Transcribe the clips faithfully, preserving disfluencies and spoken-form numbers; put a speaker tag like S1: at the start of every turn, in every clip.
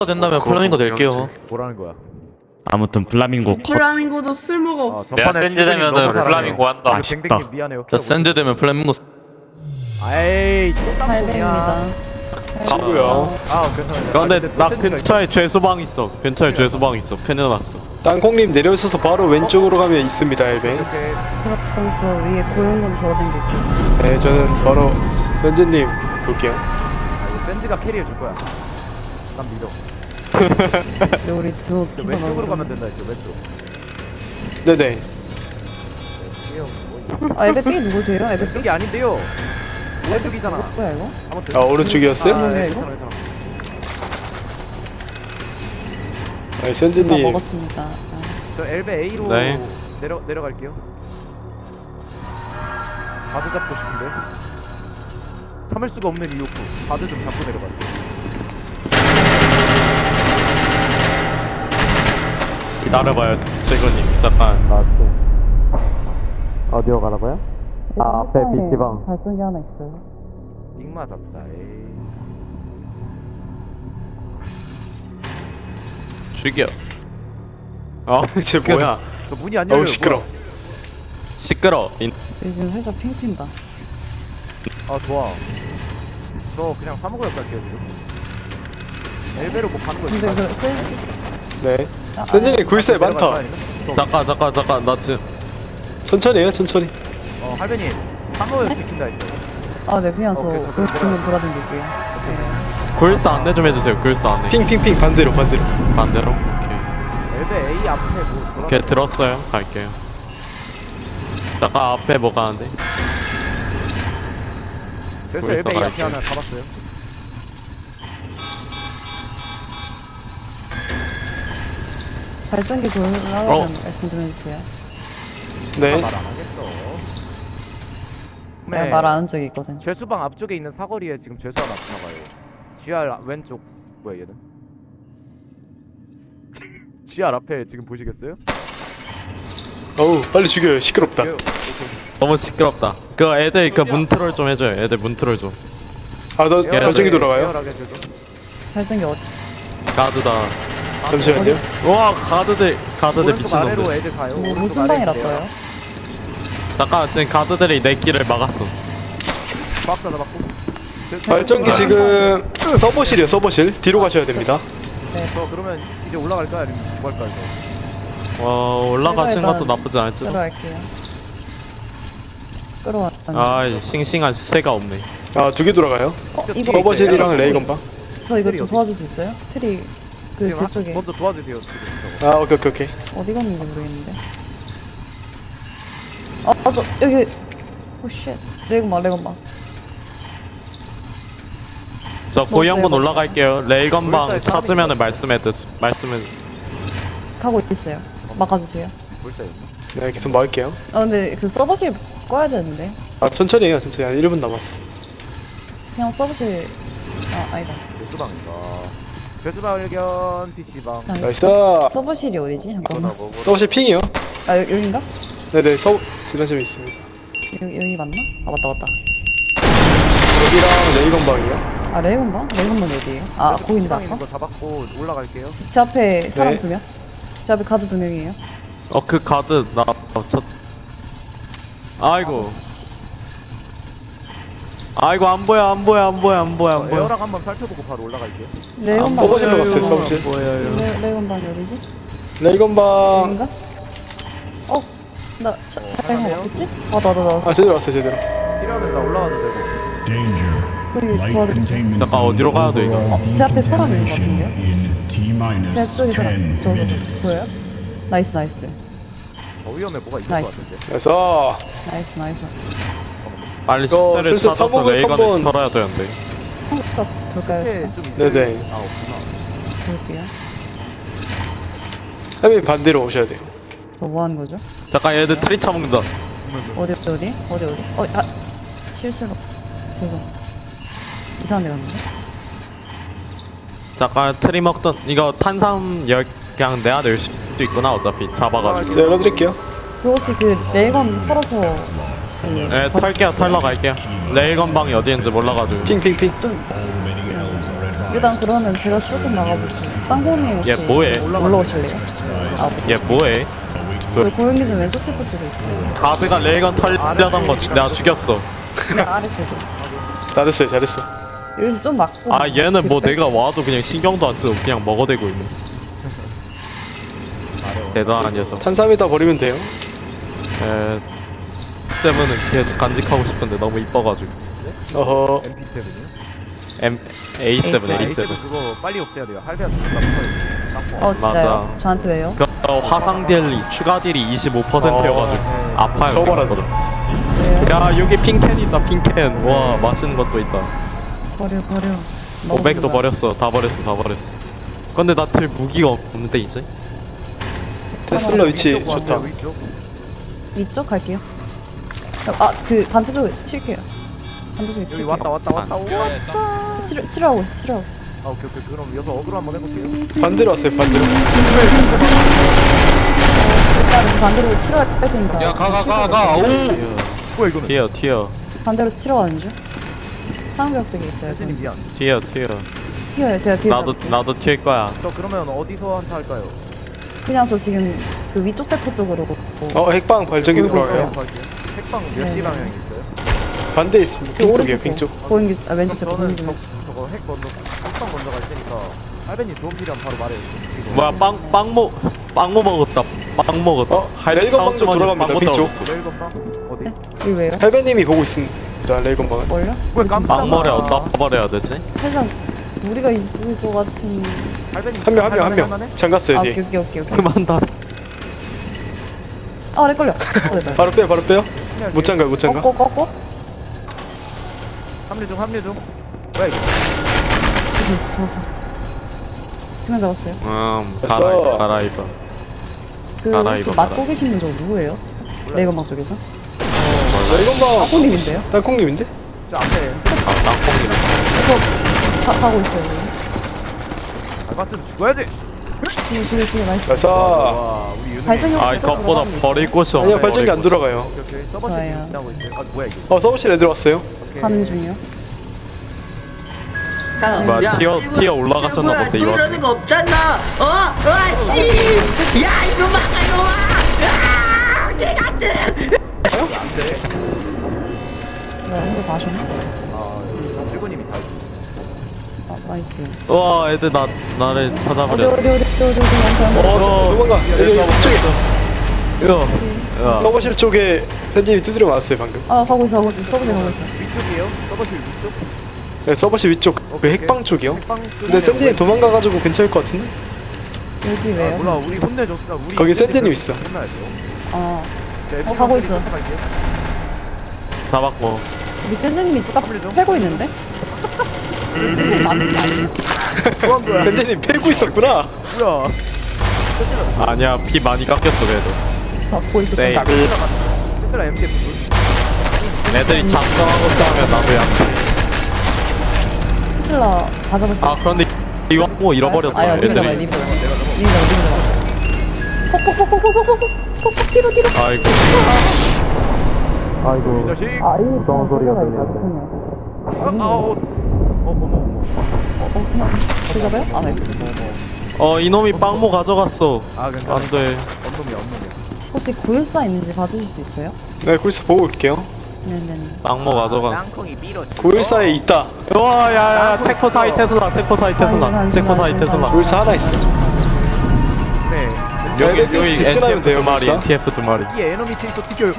S1: 된다면 플라밍고 낼게요.
S2: 뭐라는 거야?
S3: 아무튼 플라밍고 컷.
S4: 플라밍고도 쓸모가
S2: 아,
S4: 없어.
S5: 내가
S2: 전판에
S5: 센즈 되면은
S2: 너무 잘하네요.
S5: 플라밍고 한다.
S3: 아,
S2: 댕댕님
S3: 맛있다.
S2: 미안해요.
S1: 자 센즈 되면 플라밍고.
S2: 아이 또
S4: 팔백입니다.
S6: 친구야.
S2: 아 괜찮아요.
S1: 근데
S2: 아, 또
S1: 나
S2: 센즈가
S1: 근처에 죄수방 있어. 근처에 죄수방 있어. 큰일 났어.
S6: 땅콩님 내려오셔서 바로 왼쪽으로 가면 있습니다, 엘벤.
S2: 이렇게
S4: 그럼 저 위에 고용군 돌아다닐게요.
S6: 네, 저는 바로 선재님 볼게요.
S2: 아, 이거 센즈가 캐리해 줄 거야. 난 믿어.
S4: 근데 우리 지금
S2: 저
S4: 어떻게
S2: 왼쪽으로 가면
S4: 가나?
S2: 된다 했죠 왼쪽.
S6: 네네.
S2: 이게요, 뭐
S4: 아 에베 B 누구세요? 에베 B?
S2: 왼쪽이 아닌데요. 왼쪽이잖아.
S4: 뭐야 이거?
S2: 아무튼.
S6: 아, 오른쪽이었어요?
S4: 아,
S2: 네,
S4: 네, 이거?
S2: 괜찮아 괜찮아.
S6: 네,
S4: 다
S6: 선재님.
S4: 먹었습니다. 아,
S2: 저 엘베 A로
S1: 네.
S2: 내려 내려갈게요. 바드 잡고 싶은데 참을 수가 없는 이오프. 바드 좀 잡고 내려갈게요.
S1: 기다려봐요, 세근님. 잠깐.
S2: 어디로 가라고요?
S1: 아, 앞에 비티방.
S4: 발전기 하나 있어요.
S2: 빅 맞았다. 에이.
S1: 죽여.
S6: 아, 쟤 뭐야?
S2: 저 문이 안 열려요.
S6: 어우, 시끄러.
S2: 뭐야?
S1: 시끄러. 인...
S4: 여기 지금 살짝 핑 튄다.
S2: 아 좋아. 저 그냥 사무구역 갈게요 지금. 엘베로 뭐 가는 거
S4: 근데
S2: 있을까?
S4: 그 쓸...
S6: 네.
S4: 아,
S6: 선재님 굴세
S2: 내려갈까,
S6: 많다.
S2: 아니면?
S1: 잠깐 잠깐 잠깐 나 지금
S6: 천천히 해요, 천천히.
S2: 어 할배님 사무구역 지킨다 했죠.
S4: 아, 네 그냥 저
S2: 어, 그래서
S4: 고용군 돌아다닐게요. 네.
S1: 굴스 안내 좀 해주세요. 굴스 안내.
S6: 핑핑핑 반대로, 반대로.
S1: 반대로. 오케이.
S2: 엘베 A 앞에 뭐 돌아.
S1: 오케이 들었어요. 갈게요. 잠깐 앞에 뭐가 하는데?
S2: 그래서
S1: 거기서
S2: 엘베 A 앞에
S1: 갈게요.
S2: 하나 잡았어요.
S4: 발전기
S1: 어.
S4: 돌아가면 말씀 좀 해주세요.
S6: 네.
S2: 말 안 하겠어.
S4: 내가 말 안 한 적이 있거든.
S2: 죄수방 앞쪽에 있는 사거리에 지금 죄수 하나 지나가요. 지알 왼쪽 뭐야 얘는? 지알 앞에 지금 보시겠어요?
S6: 어우, 빨리 죽여요. 시끄럽다.
S2: 이거-
S1: 너무 시끄럽다. 그 애들 그 문트롤 좀 해줘요. 애들 문트롤 좀.
S6: 아, 너
S2: 에어라게-
S6: 발전기 돌아가요?
S2: 에어라게 해줘도.
S4: 발전기 어디?
S1: 가드다.
S6: 잠시만요.
S1: 와 가드들 가드들
S2: 오른쪽 아래로
S1: 미친놈들.
S2: 애들 가요.
S4: 뭐,
S2: 오른쪽
S4: 무슨
S2: 아래로
S4: 방이라
S2: 돼요.
S4: 떠요?
S1: 잠깐 지금 가드들이 내 길을 막았어.
S2: 박스 하나 받고.
S6: 발전기 지금 서버실이요, 서버실. 뒤로 가셔야 됩니다.
S2: 저 그러면 이제 올라갈까요? 아니면 뭐 할까요? 저?
S1: 어 올라가신
S4: 제가
S1: 것도
S4: 일단
S1: 나쁘지 않을지.
S4: 끌어갈게요. 끌어왔다.
S1: 아 싱싱한 시체가 없네.
S6: 아, 두 개 돌아가요.
S4: 어, 이거
S6: 서버실이랑
S4: 트리.
S6: 레이건방.
S4: 저 이거
S2: 트리
S4: 좀
S2: 어디?
S4: 도와줄 수 있어요? 트리 그
S2: 지금
S4: 제
S2: 하-
S4: 쪽에
S2: 먼저 도와주세요. 지금 저거.
S6: 아, 오케이, 오케이, 오케이.
S4: 어디 갔는지 모르겠는데. 어, 어, 저 여기. 오 쉣. 레이건방, 레이건방.
S1: 저 고영분
S4: 먹었어요,
S1: 올라갈게요. 레이건방
S2: 물살
S1: 찾으면은 말씀해 드 말씀해.
S4: 가고 있어요. 막아주세요.
S2: 벌써요.
S6: 네, 계속 막을게요.
S4: 아 근데 그 서버실 꺼야 되는데.
S6: 아, 천천히 해요, 천천히. 한 일 분 남았어.
S4: 그냥 서버실. 아 아니다.
S2: 죄수방인가? 죄수방 발견 피시방.
S4: 그냥
S6: 나이스.
S4: 서, 서버실이 어디지? 잠깐만.
S6: 서버실 핑이요.
S4: 아 여, 여긴가?
S6: 네네, 서, 지나점에 있습니다.
S4: 여기 여기 맞나? 아 맞다 맞다.
S6: 여기랑 레이건방이요.
S4: 아 레이건방? 레이건방 어디에요? 아 보인다
S2: 있는
S4: 아까?
S2: 거 잡았고 올라갈게요.
S4: 제 앞에 사람
S6: 네.
S4: 두 명. 제 앞에 가드 두 명이에요.
S1: 어 그 가드 나 찾. 아이고
S4: 아, 씨.
S1: 아이고 안 보여 안 보여 안 보여 안 보여 안 보여.
S2: 에어랑 한번 살펴보고 바로 올라갈게요.
S4: 레이건방
S6: 서버실로
S4: 어디지?
S6: 갔어요, 서버실.
S1: 보여요.
S4: 레, 레이건방이 어디지?
S6: 레이건방.
S4: 여긴가? 어? 나 차, 잘못 왔겠지? 아나 나 나왔어.
S6: 아, 제대로 왔어요, 제대로.
S2: 필요하면 나 올라와도 되고.
S7: Danger.
S4: 여기
S7: Light
S4: 도와드릴게요.
S7: containment
S1: 잠깐, 어디로 가야 돼, 이거?
S7: overall
S4: 어, 제 앞에 사람 있는 것
S7: decontamination in T-minus
S4: 제 쪽에 사람.
S7: ten
S4: 저, 저, 저
S7: minutes.
S4: 보여요? 나이스 나이스.
S2: 더 위험해 뭐가 있을 것
S4: 나이스.
S2: 같은데.
S6: 그래서
S4: 나이스 나이스.
S1: 빨리
S6: 이거
S1: 시체를
S6: 슬슬
S1: 찾아서
S6: 사복을
S1: 레이건을
S6: 한번-
S1: 털어야 되는데.
S4: 한국값 볼까요?
S2: 네,
S4: 지금?
S2: 좀 있어요.
S6: 네네.
S2: 아 없구나.
S4: 볼게요.
S6: 해민 반대로 오셔야 돼요.
S4: 저 뭐 하는 거죠?
S1: 잠깐 얘들 트리 처먹는다.
S4: 어디 어디 어디 어디 어디? 어, 아 실수로 죄송. 이상한 데 갔는데?
S1: 잠깐 트리 먹던 이거 탄산 열 그냥 내가 낼 수도 있구나 어차피 잡아가지고.
S6: 제가 열어드릴게요.
S4: 그 혹시 그 레이건 털어서
S1: 네 털게요 털러 갈게요. 레이건 방이 어디인지 몰라가지고.
S6: 핑핑핑.
S4: 좀
S7: All remaining elves are advised
S4: 일단 그러면 제가 조금 나가볼게요. 땅콩님 혹시
S1: 얘 뭐해?
S4: 올라오실래요? 아,
S1: 얘 뭐해?
S4: 저 고용기 좀 왼쪽 체포 쪽에 있어요.
S1: 가드가 레이건 털려던 거 내가 죽였어.
S4: 네, 아래쪽에.
S6: 잘했어요 잘했어.
S4: 여기서 좀 맞고.
S1: 아 얘는 뭐
S4: 그때?
S1: 내가 와도 그냥 신경도 안 쓰고 그냥 먹어대고 있네. 대단한 녀석.
S6: 탄삼에다 버리면 돼요.
S1: 에 세븐은 계속 간직하고 싶은데 너무 이뻐가지고.
S6: 어허.
S2: 엠피 세븐이요?
S1: M A 세븐
S4: A
S1: A
S2: 에이 세븐
S1: 세븐.
S2: 그거 빨리 없애야 돼요. 할배한테 딱
S4: 어 진짜요?
S1: 맞아.
S4: 저한테 왜요?
S1: 그 어, 화상 딜이 추가 딜이 이십오 퍼센트여가지고
S2: 네.
S1: 아파요.
S6: 저거라도.
S4: 왜요?
S1: 야 여기 핑캔 있다 핑캔. 와 맛있는 것도 있다.
S4: 버려 버려.
S1: 오백도
S4: 먹어보자.
S1: 버렸어. 다 버렸어 다 버렸어. 근데 나 들 무기가 없는데 이제?
S6: 테슬라 위치
S2: 위쪽
S6: 좋다.
S2: 왔어요, 위쪽.
S4: 위쪽 갈게요. 아 그 반대쪽에 칠게요. 반대쪽에
S2: 여기
S4: 칠게요.
S2: 왔다 왔다 왔다 왔다.
S4: 치료 치료하고 있어 치료하고 있어.
S2: 아 오케이 오케이 그럼 여기서 어그로 한번 해볼게요.
S6: 반대로 왔어요 반대로.
S4: 일단은 반대로 치료할 테니까.
S5: 야 가 가 가 가. 오.
S2: 뭐야 이거는?
S1: 튀어 튀어
S4: 반대로 치료하는 중. 상벽 쪽에 있어요.
S2: 세진이
S4: 저는.
S2: 미안.
S1: 튀어 튀어.
S4: 튀어요. 제가 뒤에
S1: 나도
S4: 잡을게요.
S1: 나도 튈 거야.
S2: 저 그러면 어디서 한타 할까요?
S4: 그냥 저 지금 그 위쪽 체포 쪽으로.
S6: 어 핵방 발전기
S4: 돌고
S6: 들어가요.
S4: 있어요.
S2: 핵방 몇
S4: 네.
S2: 시 방향이 있어요?
S6: 반대에 있습니다.
S4: 그
S6: 핑 쪽이에요
S4: 오른쪽
S6: 핑 쪽.
S4: 보이는 게 아, 왼쪽 체포
S2: 저는
S4: 보이는 게
S2: 저, 저거 핵 먼저 핵방 먼저 갈 테니까 할배님 도움 필요하면 바로 말해요. 이거.
S1: 뭐야 빵빵모 빵모 먹었다. 빵 먹었다.
S6: 어,
S1: 할
S6: 레이건
S1: 사업
S6: 방도
S1: 주머니에
S6: 돌아갑니다,
S1: 빵
S6: 핑 쪽.
S1: 떨어졌어.
S2: 레일건방 어디?
S4: 네? 여기 왜요?
S6: 할배님이 보고 있습니다. 레이건방은.
S4: 뭘요?
S2: 왜 깜짝
S1: 빵머리 어디다 버려야 되지?
S4: 살짝 무리가 있을 것 같은.
S2: 할배님
S6: 한 명 한 명 한
S2: 할만해?
S6: 명. 잠갔어요
S4: 아
S6: 뒤에.
S4: 오케이 오케이 오케이 오케이.
S1: 그만 다.
S4: 아 렉 걸려. 어, 됐다.
S6: 바로 빼요 바로 빼요. 못 잠가요 못 잠가.
S4: 꺾고 꺾고.
S2: 합류 중 합류 중. 뭐야 이거?
S4: 됐어 잡았어 잡았어. 두명 잡았어요.
S1: 음
S6: 됐어.
S1: 갈아입어 갈아입어.
S4: 그
S1: 알아,
S4: 혹시
S1: 이거
S4: 맡고
S1: 알아.
S4: 계신 분 저거 누구예요? 레이건방 쪽에서?
S6: 레이건방
S4: 아코님인데요?
S6: 땅콩님인데?
S2: 저 앞에
S1: 아 땅콩이네.
S4: 가, 가고 있어요 지금.
S2: 알바스는 죽어야지.
S4: 죽여 죽여 죽여 나이스.
S6: 가자.
S2: 와 우리 윤우.
S4: 발전기
S1: 아
S4: 혹시 또
S1: 이것보다
S4: 들어가는 게 있어요?
S1: 버릴 곳이 없네.
S6: 아니요 발전기 안
S1: 버릴 곳이.
S6: 돌아가요.
S2: 오케이 오케이 서버실
S4: 좋아요.
S2: 지나고 있어요. 아 뭐야 이거?
S6: 어 서버실 애들 왔어요.
S2: 오케이.
S4: 가는 중이요.
S1: 뭐야,
S5: 야,
S1: 티어-
S5: 이거
S1: 티어 올라가셨나
S5: 친구야,
S1: 본데, 이거.
S5: 이러는 거 없잖아. 어? 와 씨. 야 이거 막아놓아. 아, 개같은.
S4: 네, 혼자 다 하셨나? 나이스.
S2: 아 여기 일본님이 다 있어.
S4: 아, 나이스.
S1: 와 애들 나 나를
S4: 어디
S1: 찾아버려.
S4: 어디 어디 어디 어디 어디 어디
S6: 어 도망가. 여기 이쪽에
S1: 이거. 야.
S6: 서버실 쪽에 샌진이 두드려 맞았어요 방금.
S4: 아 가고 있어 가고 있어 서브제 가고 있어.
S2: 위쪽이에요? 서버실 위쪽?
S6: 네, 서버실 위쪽 그
S2: 오케이,
S6: 핵방 쪽이요.
S2: 핵방
S6: 근데 샌진이 도망가가지고 괜찮을 것 같은데?
S4: 여기
S2: 아,
S4: 왜요?
S2: 몰라 우리 혼내줬어. 우리
S6: 거기
S2: 이제
S6: 샌디님
S2: 그-
S6: 있어.
S2: 혼나야죠.
S4: 어
S2: 네,
S4: 어, 가고 있어.
S2: 갈게요.
S1: 잡았고.
S4: 우리 센즈님이 뚜까 패고 있는데? 센즈님 맞는 게 아니에요?
S2: 뭐한 거야?
S6: 샌진이 패고 있었구나.
S2: 뭐야?
S1: 아니야 피 많이 깎였어 그래도.
S4: 받고 있었던
S1: 네.
S4: 거.
S2: 얘들아 엠티에프
S1: 애들이 작성하고 싸우면 나도 약해.
S4: 테슬라 다 잡았어.
S1: 아 그런데 이거 뭐 잃어버렸다.
S4: 아야 님이 잡아
S1: 애들이.
S4: 님이 잡아 님이 잡아 님이 잡아. 폭폭폭폭폭폭폭폭폭 뒤로 뒤로.
S1: 아이고.
S2: 이
S1: 아이고.
S2: 자식.
S4: 아 이거
S1: 무서운 소리가 들려.
S2: 아, 아, 어, 어, 어머, 어머.
S4: 어 그냥 제 잡아요? 아 알겠어.
S1: 어 이놈이 빵모 가져갔어.
S2: 아, 괜찮아.
S1: 안돼.
S2: 언놈이야, 언놈이야.
S4: 혹시 구일사 있는지 봐주실 수 있어요?
S6: 네 거기서 보고 올게요.
S4: 네네네.
S1: 빵모 가져가.
S2: 땅콩이 밀어.
S6: 구일사에 있다.
S1: 와 야야 체코 사이 테슬라 체코 사이 테슬라 체코 사이 테슬라.
S6: 구일사 하나 있어.
S2: 네.
S1: 여기
S6: 여기
S1: 여기
S6: 직진하면
S1: 엔티에프
S6: 돼요,
S1: 두 마리
S6: 벌써?
S1: 엔티에프 두 마리.
S2: 이 에너미 팀또 튀겨요.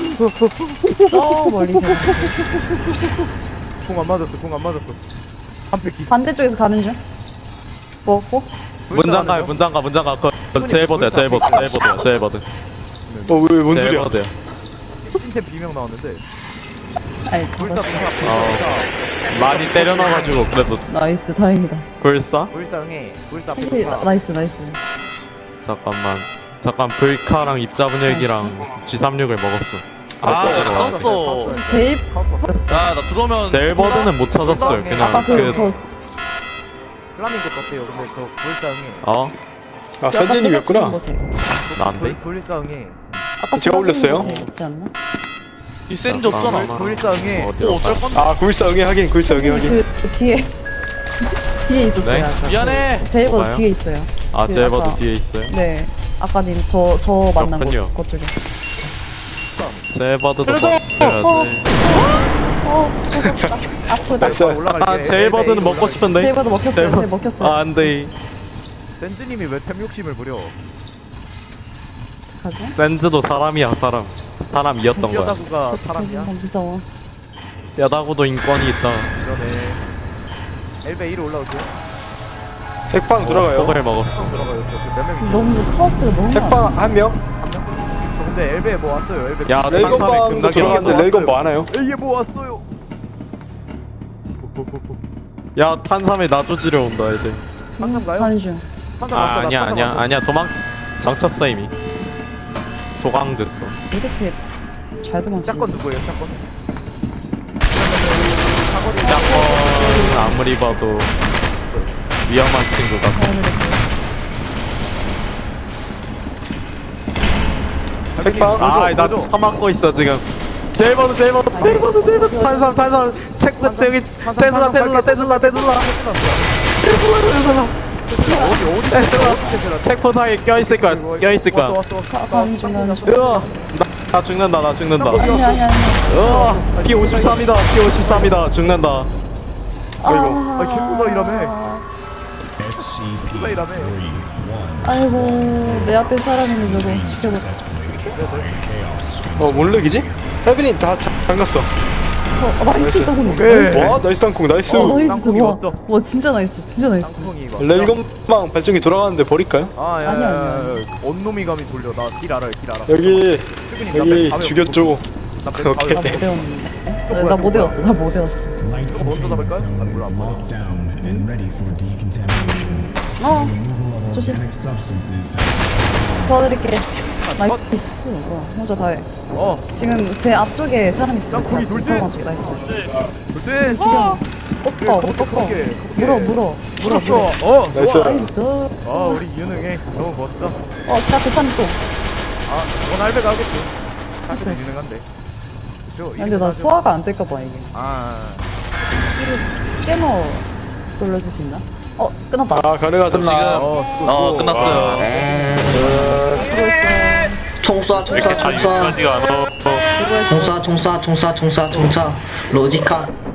S4: 저 멀리서
S2: 공안 맞았어, 공안 맞았어. 한 팩 기.
S4: 반대쪽에서 가는 중. 먹고.
S1: 문장가요 문장가 문장가 그 제일버드야 제일버드 제일버드야 제일버드
S6: 어왜뭔 소리야?
S1: 제일버드야.
S2: 팀템 비명 나왔는데.
S4: 아니
S2: 불사,
S4: 잡았어.
S2: 불사,
S1: 어.
S2: 불사.
S1: 많이 때려놔가지고 그래도
S4: 나이스 다행이다.
S1: 불사?
S2: 불사 응해. 불사,
S4: 혹시
S2: 불사.
S4: 나, 나이스 나이스.
S1: 잠깐만 잠깐 불카랑 입자분 얘기랑 지 삼십육을 먹었어.
S5: 아
S1: 들어와.
S5: 떴어.
S4: 혹시 제일 버렸어.
S5: 야나 들어오면
S1: 제일버드는 못 찾았어요 그냥
S4: 아까
S1: 그
S4: 그저
S2: 플라밍고 떴대요. 근데 저 불사 응해.
S1: 어?
S6: 아 샌진이었구나.
S1: 난데?
S2: 불- 불사 응해.
S4: 아까
S6: 제가 올렸어요?
S4: 있지 않나?
S5: 이 센즈 없잖아.
S2: 불사 응해.
S1: 어디로
S5: 어 어쩔
S1: 가?
S5: 건데.
S6: 아 구일사 응애 하긴 구일사 응애 하긴.
S4: 그, 그 뒤에 뒤에 있었어요.
S1: 네?
S4: 아까.
S1: 미안해.
S4: 제일버드
S1: 뭐가요?
S4: 뒤에 있어요.
S1: 아
S4: 그
S1: 제일버드
S4: 아까-
S1: 뒤에 있어요.
S4: 네. 아까 님 저 저 만난
S1: 그렇군요.
S4: 곳 그쪽에.
S1: 제일버드도
S4: 어,
S1: 먹어야지.
S4: 어, 무섭다. 아프다.
S6: 됐어요.
S2: 올라갈게.
S1: 아 제일버드는 먹고 싶은데.
S4: 제일버드 먹혔어요.
S1: 제일버드-
S4: 제일 먹혔어요.
S1: 아 안돼.
S2: 샌즈님이 왜 템 욕심을 부려?
S4: 어떡하지?
S1: 샌드도 사람이야 사람. 사람이었던 거야.
S2: 여자구가 사람이야?
S4: 너무 무서워.
S1: 야다구도 인권이 있다.
S2: 그러네. 엘베 위로 올라올게요.
S6: 핵방 들어가요.
S1: 폭을 먹었어.
S2: 들어가요. 저몇 명이?
S4: 너무 카오스가 너무 많아.
S6: 핵방 한 명.
S2: 저 근데 엘베 뭐 왔어요? 엘베.
S1: 야
S6: 레이건방도 들어갔는데 레이건 뭐 하나요?
S2: 이게 뭐 왔어요?
S1: 야 탄삼에 나조지려 온다 애들.
S2: 한참 가요?
S4: 가는 중.
S2: 한참
S1: 아
S2: 왔어, 나
S1: 아니야
S2: 한참
S1: 아니야
S2: 왔어.
S1: 아니야 도망 장쳤어 이미. 소강됐어.
S4: 이렇게 잘 도망치지?
S2: 짝건 누구예요? 짝건?
S1: 짝건 아무리 봐도 위험한 친구 같아.
S6: 핵방.
S1: 아나 처맞고 있어 지금. 제일버드 제일버드 제일버드 제일버드 탄삼 탄삼 체크 저기 테슬라 테슬라 테슬라 테슬라
S2: 어디 어디 테슬라
S1: 체크포트에 껴있을 거야 껴있을 거야.
S2: 왔어 왔어 왔어.
S4: 가는 중 가는 중.
S1: 으아 나, 나 죽는다 나 죽는다.
S4: 아니 아니 아니.
S1: 으아 피 오십삼이다 피 오십삼이다 죽는다.
S2: 아 개꾸다 이러네.
S7: S C P
S2: 플레이라며.
S7: three one.
S4: 아이고 내 앞에 사람 있는 저거 죽여봐.
S7: Successfully deployed chaos.
S6: 어 몰렉이지? 헬빈이 다 잠갔어.
S4: 저 어, 나이스 더군.
S2: 네.
S6: 와 나이스 땅콩 나이스.
S4: 어 나이스
S2: 땅콩이
S4: 와.
S2: 어떠?
S4: 와 진짜 나이스 진짜 나이스.
S2: 땅콩이 이거.
S6: 레이건방 발전기 돌아가는데 버릴까요?
S2: 아, 야,
S4: 아니야,
S2: 야,
S4: 아니야.
S2: 야, 온놈이 감이 돌려. 나 길 알아요, 길 알아.
S6: 여기
S2: 출근이
S6: 여기
S2: 나 배-
S6: 죽였죠.
S2: 나 배-
S6: 오케이.
S4: 나 못 외웠는데. 나 못 외웠어. 나 못 외웠어.
S7: Light
S2: 먼저
S7: containment
S2: 잡을까요?
S7: zone
S2: 아,
S7: is
S2: 몰라.
S7: locked down and ready for decontamination.
S4: 어
S7: Removal of
S4: 조심.
S7: organic substances.
S4: 도와드릴게. 나이스. 와 혼자 다 해.
S2: 어,
S4: 지금 제 앞쪽에 사람 있어요. 제
S2: 거기
S4: 앞쪽
S2: 돌지?
S4: 사람 앞쪽에 나이스.
S2: 그때
S4: 지금 꺾어 못 꺾어.
S2: 꺾게,
S4: 물어 물어 물어 물어.
S2: 어,
S6: 나이스.
S2: 좋아.
S4: 나이스.
S2: 아, 우리 유능해. 너무 멋져.
S4: 어제 앞에 사람 또.
S2: 아, 원 할배가 하겠지.
S4: 했어,
S2: 할배도
S4: 했어.
S2: 유능한데. 그죠?
S4: 야, 근데 나 소화가 안 될까봐 이게.
S2: 아,
S4: 혹시 깨머 돌려줄 수 있나? 어 끝났다.
S6: 아 가능하죠 지금.
S2: 어, 수고,
S1: 어
S2: 수고.
S1: 끝났어요.
S4: 수고했어.
S5: 총 쏴, 총 쏴, 총 쏴.
S1: 안 어.
S4: 수고했어.
S5: 총 쏴, 총 쏴, 총 쏴, 총 쏴, 총 쏴. 로지카.